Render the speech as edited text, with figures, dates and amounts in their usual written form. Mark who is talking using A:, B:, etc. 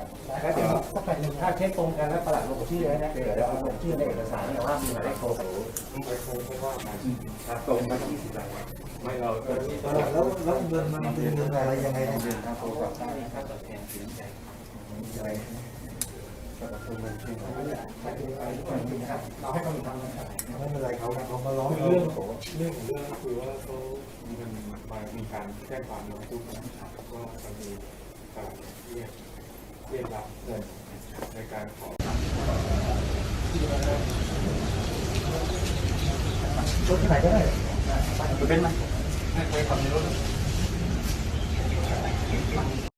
A: แล้วเดี๋ยวถ้าเช็คตรงกันแล้วประหลัดลงชื่อไว้นะเดี๋ยวเอาลงชื่อในเอกสารเนี่ยว่ามีหมายเลขโทรศัพท์ไม่ว่ากันตรงกัน20 รายไม่เรา
B: แล้วเงินมันเป็นเงินอะไรยังไงเนี่ย
A: ค่าโทรศัพท์ได้ค่าตอบแทนสินใจอะไรก็คือมันคือเราให้เขาทำนะครับ
B: ไม่เป็นไรเขามาร้อง
C: เรื่องของเรื่องก็คือว่าเขามันมามีการแจ้งความร้องทุกข์นะครับก็จะมีการเรียกรับเงินในการขอ
B: รถที่ไหนก็ได้
A: เป็นไหม
C: ให้ไปทำในรถ